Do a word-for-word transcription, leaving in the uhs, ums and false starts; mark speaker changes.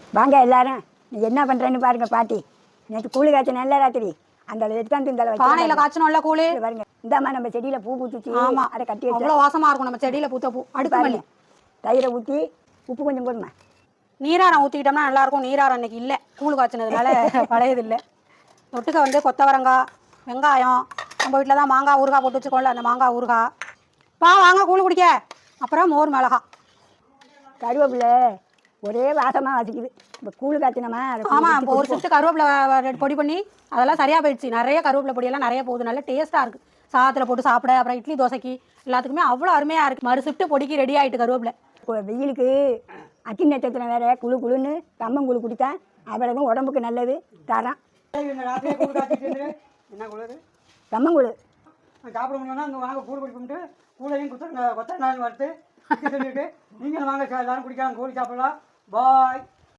Speaker 1: வாங்க எல்லாரும், நீ என்ன பண்ணுறேன்னு பாருங்க பாட்டி. நேற்று கூழு காய்ச்ச நல்ல ராத்திரி அந்த எடுத்தாந்து இந்த
Speaker 2: பானையில் காய்ச்சணும்ல கூழு.
Speaker 1: பாருங்க, இந்தாம்மா நம்ம செடியில் பூ பூத்துச்சு.
Speaker 2: ஆமாம்,
Speaker 1: அதை கட்டி
Speaker 2: அவ்வளோ வாசமாக இருக்கும் நம்ம செடியில் பூத்த பூ. அடுப்பு மல்லி
Speaker 1: தயிரை ஊற்றி உப்பு கொஞ்சம் போடுமா.
Speaker 2: நீராரம் ஊற்றிக்கிட்டோம்னா நல்லாயிருக்கும். நீராரம் அன்றைக்கி இல்லை, கூழ் காய்ச்சினதுனால பழையது இல்லை. தொட்டுக்க வந்து கொத்தவரங்காய், வெங்காயம், நம்ம வீட்டில் தான் மாங்காய் ஊறுகாய் போட்டு வச்சுக்கோல, அந்த மாங்காய் ஊறுகாய். பா வாங்க கூழ் குடிக்க. அப்புறம் மோர் மிளகா,
Speaker 1: கருவேப்பிலை ஒரே வாசமாக வாசிக்குது. இப்போ கூழ் காய்ச்சினமா.
Speaker 2: ஆமாம், இப்போ ஒரு சிட்டு கருவேப்பிலை பொடி பண்ணி அதெல்லாம் சரியாக போயிடுச்சு. நிறைய கருவேப்பிலை பொடியெல்லாம் நிறைய போகுது, நல்ல டேஸ்ட்டாக இருக்குது. சாதத்தில் போட்டு சாப்பிட, அப்புறம் இட்லி தோசைக்கு எல்லாத்துக்குமே அவ்வளோ அருமையாக இருக்குது. மறு ஷிஃப்ட்டு பொடிக்கு ரெடி ஆகிட்டு கருவேப்பிலை.
Speaker 1: இப்போ வெயிலுக்கு அத்தி நட்சத்திரம் வேறு குழு குழுன்னு கம்மங்கூழ் குடித்தா அவ்வளவும் உடம்புக்கு நல்லது. தரம்
Speaker 3: என்ன குளிர்
Speaker 1: கம்மங்கூழ்
Speaker 3: சாப்பிட முடியும்னா அங்கே வாங்க கூழ் குடிப்போம்ட்டு கூழையும் குத்த கொத்தனாலும் வறுத்து சொல்லிட்டு நீங்களும் வாங்க எல்லாரும் குடிக்கலாம், கூழ் சாப்பிடலாம். பாய்.